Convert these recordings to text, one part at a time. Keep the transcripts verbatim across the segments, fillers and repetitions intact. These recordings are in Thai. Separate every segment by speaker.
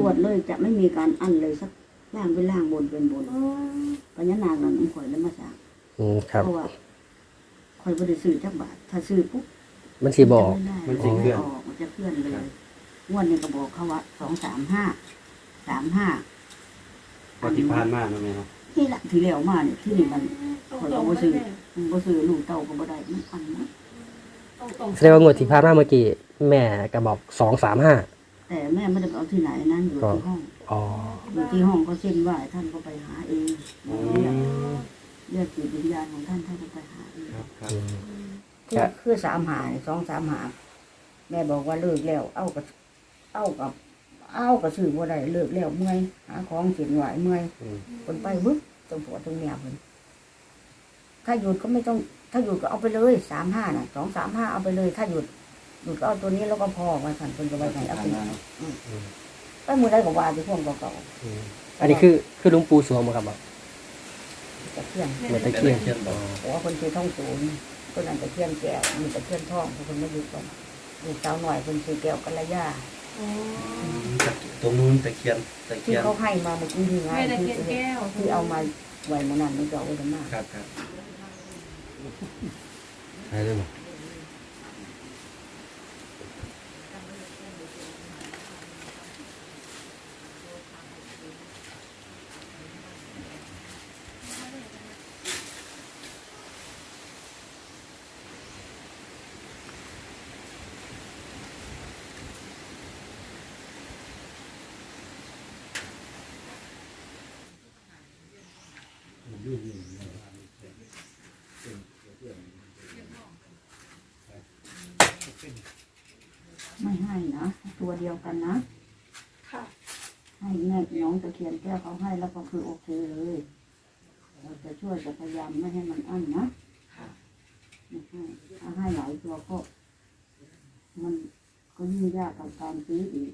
Speaker 1: วดเลยจะไม่มีการอั้นเลยสักล่างเป็นล่างบนเป็นบนปัญญานางนั้นข่อยแล้วมาสร้างเพราะว่าข่อยบ่ได้ซื้อจักบาทถ้าซื้อปุ๊บ
Speaker 2: มันสิบอก
Speaker 1: มันสิเคลื่อนออกมันจะเคลื่อนเลยงวดนี้ก็บอกเขาว่าสองสามห้าสามห้า
Speaker 3: ปฏิภาณมากนะแม่เนาะ
Speaker 1: นี่แหละที่แล้วมาเนี่ยที่นี่มันข่อยก็บ่ซื้อมันบ่ซื้อลูกเต้าก็บ่ได้มันอันนะ
Speaker 2: แสดงว่างวดที่ผ่านมาเมื่อกี้แม่ก็บอกสองสามห้า
Speaker 1: แต่แม่ไม่ได้เอาที่ไหนนั่นอยู่ที่ห้องอยู่ที่ห้องก็เส้นไหว้ท่านก็ไปหาเองเรียกจิตวิญญาณของท่านท่านก็ไปหาเองคือคือสามหาสองสามหาแม่บอกว่าเลิกแล้วเอากับเอากับเอากับซื้อบ่ได้เลิกแล้วเมื่อยหาของเสียนไหวเมื่อยคนไปวึบตรงหัวตรงเมียเพิ่นถ้าหยุดก็ไม่ต้องถ้าหยุดก็เอาไปเลยสามห้าน่ะสองสามห้าเอาไปเลยถ้าหยุดหยุดก็เอาตัวนี้แล้วก็พอไว้สั่นเพิ่นก็ไว้ไหนเอาไปไปมือได้กับว่าที่พวกเก่า
Speaker 2: ๆอันนี้คือคือหลวงปู่สวงบ่ครับบ่
Speaker 1: ตะเคียน
Speaker 2: เหมือนตะเคียน
Speaker 1: โอ้คนชื่อท่องสูงคนนั้นตะเคียนแก้วมีตะเคียนทองคนไม่ยุดก่อนลูกสาวหน่อยคนชื่อแก้วกัลยา
Speaker 3: ตรงนู้นตะเคียนตะเคี
Speaker 1: ที่
Speaker 3: ยน
Speaker 1: เขาให้มาเมื่อกี้นี่ไงที่ที่เอามาไว้เมื่อนั้นมันจะเอาไว้ทำไม
Speaker 3: ครับครับใช่ได้ไหม
Speaker 1: ไม่ให้นะตัวเดียวกันนะให้แม่น้องตะเคียนแก้วเขาให้แล้วก็คือโอเคเลยเราจะช่วยจะพยายามไม่ให้มันอั้นนะถ้าให้หลายตัวก็มันก็ยิ่งยากกับการซื้ออีก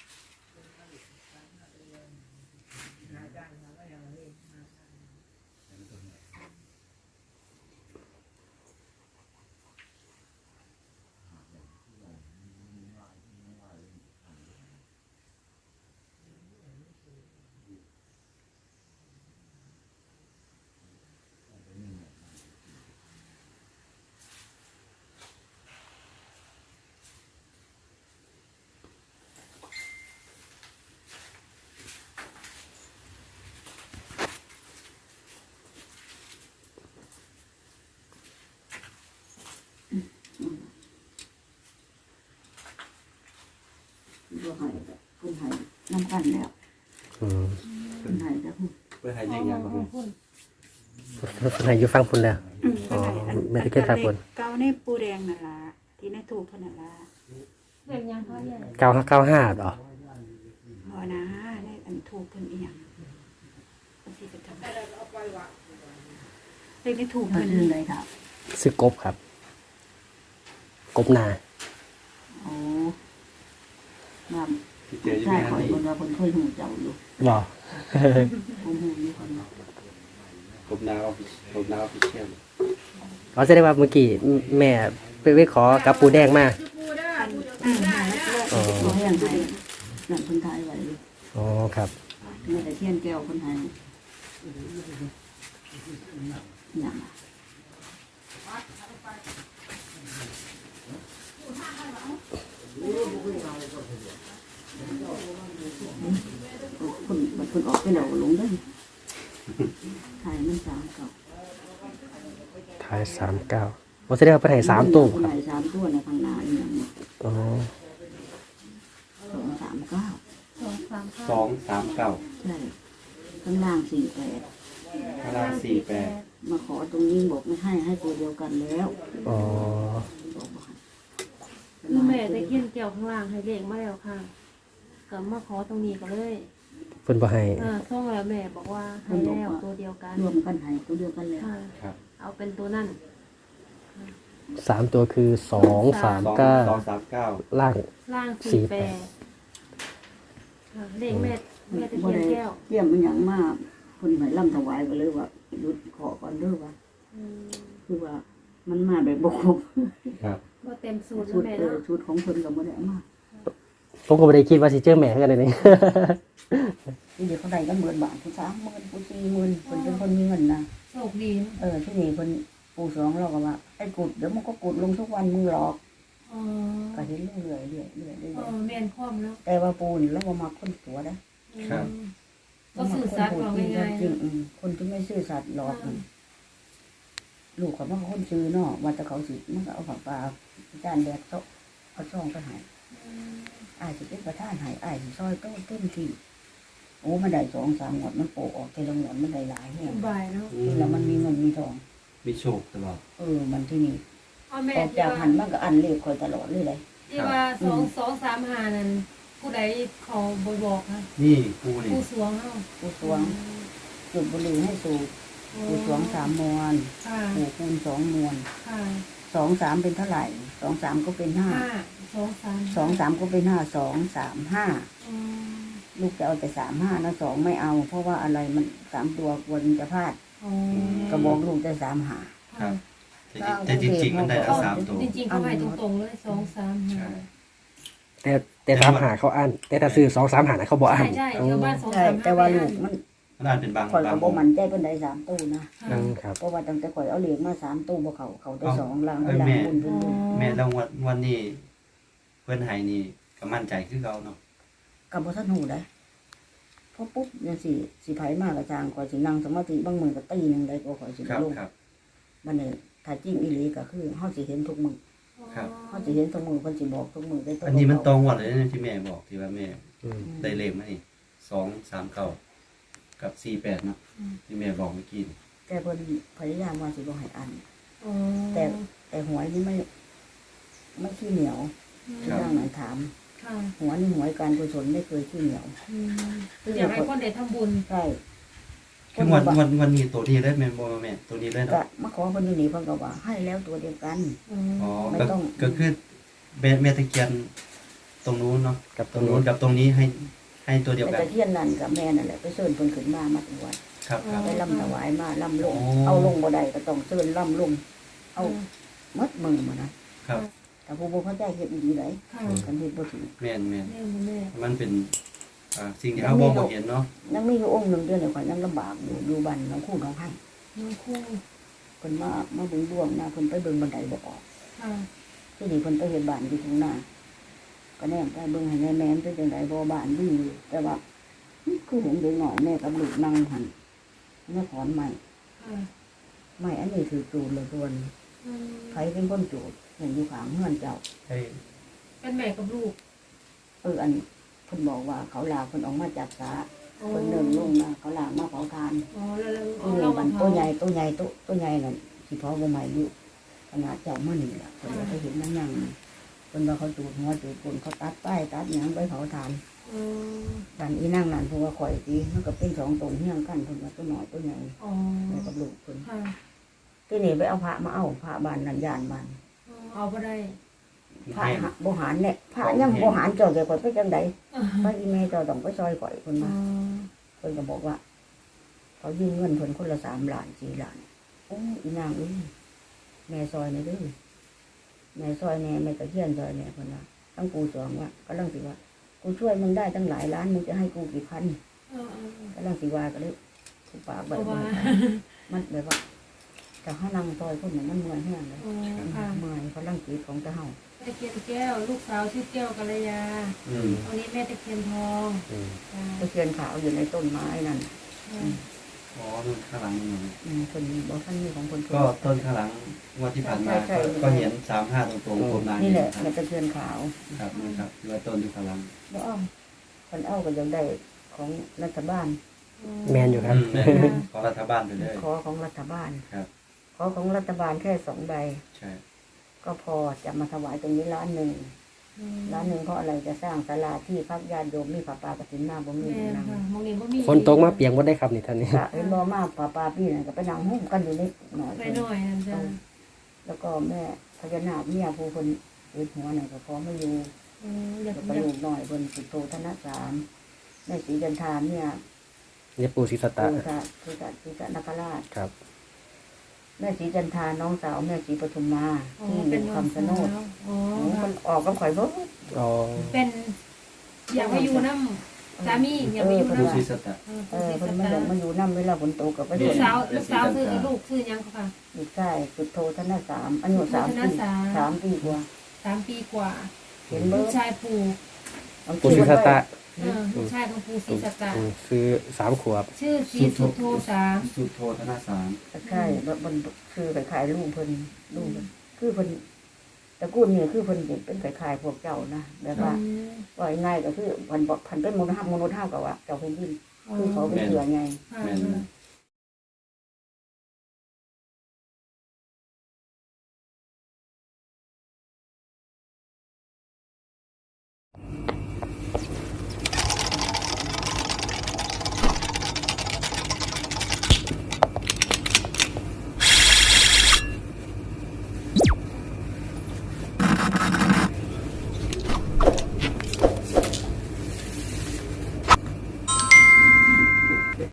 Speaker 1: ตัวหายคุณหายน้ำกันแล้วคุณหายแล้ว
Speaker 3: คุณหายยังไงครับคุณ
Speaker 2: คุณหายอยู่ฟังคุณแล้วอ๋อไม่ได้แค่ฟังคุณ
Speaker 4: เก้าในปูแดงนั่นละที่ในถูกเท่านั้นละ
Speaker 5: เรียกยังเขาใหญ่
Speaker 2: เก้าเก้าห้าหรอ
Speaker 4: พอนะในอันถูกเพิ่นอีหยังที่จะทำเลขในถูกเพิ่น
Speaker 1: เลยครับ
Speaker 2: ซื้อกบครับกบนา
Speaker 1: โอ้มาใช่ขอคนว่าคนเคยหูเจ้าอยู่
Speaker 2: หรอ
Speaker 1: ผมหูอยู่คน
Speaker 3: กบนาออฟกบนาออฟฟิเชียล
Speaker 2: เขาจะได้ว่าเมื่อกี้แม่ไปไปขอกับปูแดงมา
Speaker 1: อ๋อเรื่องไทยนั่นคนไทยไว้
Speaker 2: อ๋อครับ
Speaker 1: เมื่อแต่เทียนแก้วคนไทยอย่างคนมันคนออกไปแล้วลงได้ถ่ายมันสามเก้า
Speaker 2: ถ่ายสามเก้าเราจะได้ไปถ่ายสามตัว
Speaker 1: ครับถ่ายสามตัวในทางหน้าอย่างนี้
Speaker 2: อ๋อ
Speaker 1: สองสามเก้า
Speaker 3: สองสามเก้า
Speaker 1: ใช่ข้างล่างสี่แปด
Speaker 3: ข้างล่างสี่แปด
Speaker 1: มาขอตรงนี้บอกไม่ให้ให้ตัวเดียวกันแล้ว
Speaker 2: อ๋อ
Speaker 5: คือแม่ตะเคียนเกี่ยวข้างล่างให้เลขมาแล้วค่ะก็มาขอตรงนี้ก็เลย
Speaker 2: เพิ่นบ่ให้
Speaker 5: อ่าส่งแล้วแม่บอกว่าให้แล้วตัวเดียวกัน
Speaker 1: รวมกันให้ตัวเดียวกันแล้ว
Speaker 5: ครับเอาเป็นตัวนั่น
Speaker 2: สามตัวคือสองสามเก้า
Speaker 3: สองสามเก้า
Speaker 2: ล่าง
Speaker 5: ล่างสี่แปดเลขแม่แม่ตะเคียนแก้ว
Speaker 1: เยี่ยมมันอย่างมากคนไหนล่ำถวายก็เลยว่าหยุดขอก่อนเด้อว่าคือว่ามันมาแบบบกบ
Speaker 3: ครับ
Speaker 5: ว่าเต็มสูตร
Speaker 1: ชุด
Speaker 5: แม่
Speaker 1: เออชุดของคนกับโมเดลมาก
Speaker 2: ผมก็ไม่ได้คิดว่าสิเจอแม่กันเลยนี่
Speaker 1: ที่เดี๋ยวเขาได้กันหมื่นบาทผู้สามหมื่นผู้สี่หมื่นคนเป็นคนมีเงินนะ
Speaker 5: โชคดีนะ
Speaker 1: เออที่นี่คนปู่สองเราก็ว่าไอ้กุดเดี๋ยวมันก็กุดลงทุกวันมึงหลอก
Speaker 5: อ๋อ
Speaker 1: ก็เห็นเรื่อยๆเรื่อยๆเรื่อยๆเรื่
Speaker 5: เอ
Speaker 1: อย
Speaker 5: อแม่นพร้อมแล้ว
Speaker 1: ๆแต่ว่าปูนี่เราบ่มาคนตัวนะ
Speaker 3: ครับ
Speaker 5: ก็สื่อสารเราง่ายๆ
Speaker 1: จริง
Speaker 5: นะ
Speaker 1: ๆอืมคนที่ไม่ซื่อสัตย์หลอกมันลูกเขาว่าเขาคนซื้อเนาะว่าแต่เขาสิมันก็เอาผักปลาจานแดกโต๊ะเอาช่องไปใหายอ้ายสิเป็นประธานใหายอ้ายสิซอยโต๊ะเต็มที่โอ้มันได้สองสามหมดมันโปะออกแต่ละหมดมันได้หลายแห่ง
Speaker 5: สบายเนาะ
Speaker 1: แล้วมันมีเงินมีทอง
Speaker 3: มีโชคตลอด
Speaker 1: เออมันที่นี่
Speaker 5: เอาแม่
Speaker 1: ออก
Speaker 5: ที่
Speaker 1: จาก
Speaker 5: ว่า
Speaker 1: หันมันก็อันเลขคอยตลอดเลยเลย
Speaker 5: ที่ว่าสองสองสามห้านั่นผู้ใดขอบ่บอกค่ะ
Speaker 3: นี่กูนี่
Speaker 5: ผู้สวงเฮา
Speaker 1: ผู้สวงจุดบุหรี่ให้สูบผู้สวงสามมวน
Speaker 5: ค่ะ
Speaker 1: ผู้คูณสองมวน
Speaker 5: ค่ะ
Speaker 1: สองสามเป็นเท่าไหร่สองสามก็เป็นห้า
Speaker 5: ห้าสองสาม
Speaker 1: สองสามก็เป็นห้าสองสามห้า
Speaker 5: อืม
Speaker 1: ลูกจะเอาแต่สามห้านะสองไม่เอา เพราะว่าอะไรมันสามตัวกลัวมันจะพลาด
Speaker 5: อ๋อ
Speaker 1: ก็บอกลูกจะสามหา
Speaker 3: ครับแต่แต่จริงๆมันได้ทั้งสามตัว
Speaker 5: จริงๆเขาให้ตรงๆเลยสองสามห้า
Speaker 3: ใช่
Speaker 2: แต่แต่สามหาเขาอ่านแต่ถ้าซื้อสองสามหานะเขาบอกอ่า
Speaker 5: ใช่
Speaker 2: น
Speaker 5: ใช่
Speaker 2: อื
Speaker 5: ชาว
Speaker 2: ม
Speaker 5: บ้านสอง
Speaker 1: ใช่
Speaker 5: สามห้า
Speaker 1: แต่ว่าลูกมัน
Speaker 3: มันอาจเป็นบาง
Speaker 1: ข่อย
Speaker 3: บา
Speaker 1: กั
Speaker 3: ง
Speaker 1: บโบมันใจเป็นได้สามตู้นะ
Speaker 2: อืมครับ
Speaker 1: เพราะว่าตั้งแต่ข่อยเอาเหรียญมาสามตู้บ่เขาเขาได้สองลัง
Speaker 3: เอ้ย
Speaker 1: ลัง
Speaker 3: แม่
Speaker 1: บุญบุญบุญ
Speaker 3: แม่แล้ววันวันนี้เพื่อนไห้นี่ก็มั่นใจคือเราเนาะ
Speaker 1: กับบ่ทันหูได้พอปุ๊บเนี่ยสิสิไผมากกระจางข่อยสินั่งสมาธิบางมื้อก็ตีหนึงได้ก็ข่อยสิ
Speaker 3: ครับ
Speaker 1: ลง
Speaker 3: ครับ
Speaker 1: บัดนี้ถ้าจริงอีหลีก็คือเฮาสิเห็นทุกมื้อ
Speaker 3: ครับ
Speaker 1: เฮาสิเห็นทุกมื้อเพิ่นสิบอกทุกมื้อได้
Speaker 3: อันนี้มันตรงหมดเลยนะที่แม่บอกที่ว่าแม่
Speaker 2: อืม
Speaker 3: ได้เลขมานี่สองสามเก้ากับสี่แปดเนาะที่แม่บอกเมื่อกี้นี่
Speaker 1: แต่เพิ่นพยายามว่าสิบ่ให้อัน
Speaker 5: อ๋อ
Speaker 1: แต่แต่หวยนี่ไม่ไม่ขี้เหนียว
Speaker 3: ครับ
Speaker 1: ดังนั้นถาม
Speaker 5: ค่ะ
Speaker 1: หัวนี่หวยการกุศลไม่เคยขี้เหนียว
Speaker 5: อืมอยากให้คนได้ทำบุญ
Speaker 1: ใช่
Speaker 3: คือวันวันวันนี้ตัวนี้เลยแม่บอกว่าแม่ตัวนี้เลย
Speaker 1: ก็
Speaker 3: เนาะ
Speaker 1: มาขอเพิ่นอยู่นี่เพิ่นก็ว่าให้แล้วตัวเดียวกัน
Speaker 5: อืม
Speaker 3: อ๋อ
Speaker 1: ไม่
Speaker 3: ก็
Speaker 1: ต้อง
Speaker 3: ก็คือแม่แม่ตะเคียนตรงนู้นเนาะ
Speaker 2: กับ
Speaker 3: ต
Speaker 2: ต
Speaker 3: ร
Speaker 2: รง ง
Speaker 3: นู้
Speaker 2: นู้
Speaker 3: น
Speaker 2: น
Speaker 3: กับตรงนี้ให้ให้ตัวเดียว
Speaker 1: แต่
Speaker 3: กัน
Speaker 1: ตะเคียนนั่นกับแม่นั่นแหละไปเชิญเพิ่นขึ้นมามาที่วัด
Speaker 3: ครับครับ
Speaker 1: ไปล่ำถวายมาล่ำลง
Speaker 3: โอ้
Speaker 1: เอาลงบ่ได้ก็ต้องเชิญล่ำลงเอาหมดมือมานะครับ แต่ผู้บ่เข้าใจเฮ็ดดีได
Speaker 5: ค่ะ
Speaker 1: กันเฮ็ดบ่ถูก
Speaker 3: แม่นแม่น
Speaker 5: แม่แม่
Speaker 3: มันเป็นอ่าสิ่งที่เขาบอกบ่เห็นเนาะ
Speaker 1: ยังมีอยู่องค์หนึงเดือนนี่ข่อยยังลำบากอยู่อยู่บ้านน้องคู่น้องให้
Speaker 5: น้องคู่
Speaker 1: เพิ่นมามาเบิ่งดวงนะเพิ่นไปเบิ่งบันไดบ่ออก
Speaker 5: ค่ะ
Speaker 1: ที่นี่เพิ่นไปเฮ็ดบ้านอยู่ทุ่งนาก็แนมไปเบิ่งให้แม่แม่นเป็นจังไดบ่บ้านดีอยู่แต่ว่าคือเห็นเด็กน้อยแม่กับลูกนั่งหั่นแม่ขอนไม้
Speaker 5: ค่ะ
Speaker 1: ไม้อันนี้คือจูดเลยตัวนี้
Speaker 5: อืม
Speaker 1: ใครเป็นคนจูดเห็นอยู่ข้างเฮือนเจ้า
Speaker 3: ให้
Speaker 5: เป็นแม่กับลูก
Speaker 1: เอออันเพิ่นบอกว่าเขาลาเพิ่นออกมาจากสา
Speaker 5: อ๋อ
Speaker 1: เพิ่นเดินลงมาเขาลามาเผาทาน
Speaker 5: อ๋อแล้วแล้ว
Speaker 1: เอ
Speaker 5: เอา
Speaker 1: อ
Speaker 5: เรา
Speaker 1: มั
Speaker 5: มาน เผา
Speaker 1: ตัวใหญ่ตัวใหญ่ตัวตัวใหญ่นั่นสิเผาบ่ใหม่อยู่ขนาดเจ้ามานี่ล่ะเพิ่นก็ไปเห็นนั่งนั่งเพิ่นว่าเขาจูดหัวจูดก้นเขาตัดป้ายตัดหยังไปเผาทาน
Speaker 5: อืม
Speaker 1: ดันอีนั่งนั่นเพราะว่าข่อยตีมันก็เป็นสองตนเฮี้ยงกันเพิ่นว่าตัวน้อยตัวใหญ่
Speaker 5: อ๋อ
Speaker 1: แม่กับลูกเพิ่น
Speaker 5: ค่ะ
Speaker 1: ที่นี่ไปเอาพระมาเอาพระบ้านนั่นย่านบ้าน
Speaker 5: อ๋อเอาบ่ได้
Speaker 1: พระ
Speaker 3: แห้ง
Speaker 1: หาบ่หารเนี่ยพระยังบ่หารเจ้าแกข่อยไปจังไดพระอีแม่เจ้าต้องไปซอยข่อยเพิ่น
Speaker 5: อ๋อ
Speaker 1: มาเพิ่นก็บอกว่า เขายืมเงินเพิ่นคนละสามล้านสี่ล้านโอ้อีนางเอ้ยแม่ซอยนี่เด้อแม่ซอยแน่แม่ตะเคียนซอยแน่เพิ่นว่าตั้งกูสองว่ากำลังสิว่ากูช่วยมึงได้ตั้งหลายล้านมึงจะให้กูกี่พัน
Speaker 5: เออเออเออก
Speaker 1: ำลังสิว่าก็เลยกูปาก
Speaker 5: เพ
Speaker 1: แบบ
Speaker 5: ราะว่า
Speaker 1: มันแบบว่าแต่เฮานั่งซอยคนนั้นมันเมื่อยแห้งเลย
Speaker 5: อ๋อค่ะ
Speaker 1: เมื่อยพลังจิตของเจ้าเฮา
Speaker 5: แม่ตะเคียนแก้ว ลูกสาวชื่อแก้วกัลยา
Speaker 3: อืม
Speaker 5: วันนี้แม่ตะเคียนทอง
Speaker 2: อืม
Speaker 5: ค่ะ
Speaker 1: ตะเคียนขาวอยู่ในต้นไม้นั่น
Speaker 5: ค่ะ
Speaker 3: อ๋อนู่นข้างหลังนู่น
Speaker 1: อืมคนบอกท่านมีของคน
Speaker 3: ก็ต้นข้างหลังงวดที่ผ่านมาก็ก็เห็นสามห้าตรงๆผมนาน
Speaker 1: นี่
Speaker 3: เห็
Speaker 1: แหละ
Speaker 3: นค
Speaker 1: แม่
Speaker 3: รับ
Speaker 1: ตะเคียนขาว
Speaker 3: ครับนี่ครับที่ว่าต้นอยู่ข้างหลัง
Speaker 1: บ่เอาคนเอาก็ยังได้ของรัฐบาล
Speaker 2: แมนอยู่ครับ
Speaker 3: อืมแม่ของรัฐบาลไปเลย
Speaker 1: ขอของรัฐบาล
Speaker 3: ครับ
Speaker 1: ขอของรัฐบาลแค่สองใบ
Speaker 3: ใช่
Speaker 1: ก็พอจะมาถวายตรงนี้ล้านหนึ่ง
Speaker 5: อืม
Speaker 1: ล้านหนึ่งเพราะอะไรจะสร้างศาลาที่พักญาติโยมมีผ้าป่ากฐินมาบ่มี
Speaker 5: แม่
Speaker 1: นั่ง
Speaker 5: ค่ะมองนี่บ่มี
Speaker 2: ฝนตกมาเปียงว่าได้ครับนี่ท่านนี่
Speaker 1: พระเห็นบ่มาผ้าป่าพี่นั่นก็ไปนั่งหุ้มกันอยู่นิดหน่อย
Speaker 5: ไปหน่อยนั่นจ้ะ
Speaker 1: แล้วก็แม่พญานาคเมียผู้คนเอ็ดหัวน่ะก็พอไม่อยู่
Speaker 5: อืมอยาก
Speaker 1: แล้ว
Speaker 5: อ
Speaker 1: ก็
Speaker 5: ยาก
Speaker 1: ลูกน้อยคนสิโตธนสารแม่ศรีจันทาเนี่ย
Speaker 2: เนี่ยปูศิสตะ
Speaker 1: ปู่ตาปู่ตาปู่ตานคราช
Speaker 2: ครับ
Speaker 1: แม่ศรีจันทาน้องสาวแม่ศรีปทุมมา
Speaker 5: อ๋อ
Speaker 1: ที่อ
Speaker 5: เป็น
Speaker 1: ยู่
Speaker 5: น้อง
Speaker 1: คำชะโนด
Speaker 5: สาวอ๋อ
Speaker 1: โอ้
Speaker 5: ค่ะ
Speaker 1: มันออกกับข่อยเบ่
Speaker 2: อ๋อ
Speaker 5: เป็นอยากมาอยู่น้ำสามีอยากมาอยู่
Speaker 3: ปู
Speaker 5: น้ำ
Speaker 3: ศรีสัตตะ
Speaker 5: เออ
Speaker 1: เอ
Speaker 5: ผู้
Speaker 1: อ
Speaker 5: ศรี
Speaker 1: เพิ่น
Speaker 5: สัต
Speaker 1: มัน
Speaker 5: ตา
Speaker 1: อยากมาอยู่นำเวลาฝนตกก็ไป
Speaker 5: ลู
Speaker 1: เฮ็
Speaker 5: ก
Speaker 1: ด
Speaker 5: สาวลูกสาวซื้อลูกซื้อยังค่ะ
Speaker 1: อยู่ใกล้จุดโทธนาสามอายุสามปีสามปีกว่า
Speaker 5: สามปีกว่า
Speaker 1: เห็น
Speaker 5: ลู
Speaker 1: เบิ่
Speaker 5: กชายปู่
Speaker 2: ปู่ศรีสัตตะ
Speaker 5: เออลูกชายของปู่ศรีสัตตา
Speaker 2: อืมซื้อสามขวบ
Speaker 5: ชื่อศรีสุโธสาม
Speaker 3: สุโธธนาสาม
Speaker 1: ใช่แล้วมันคือไปขายลูกเพิ่นลูกเพิ่นคือเพิ่นตระกูลนี่คือเพิ่นเป็นไปขายพวกเจ้านะแบบว่า ว่าง่ายก็คือพันบอกพันเป็นมนุษย์ห้ามนุษย์ห้ามกับว่าเจ้าเป็นดินคือเขาเป็นเสือไง
Speaker 5: ค่ะ
Speaker 3: แม่น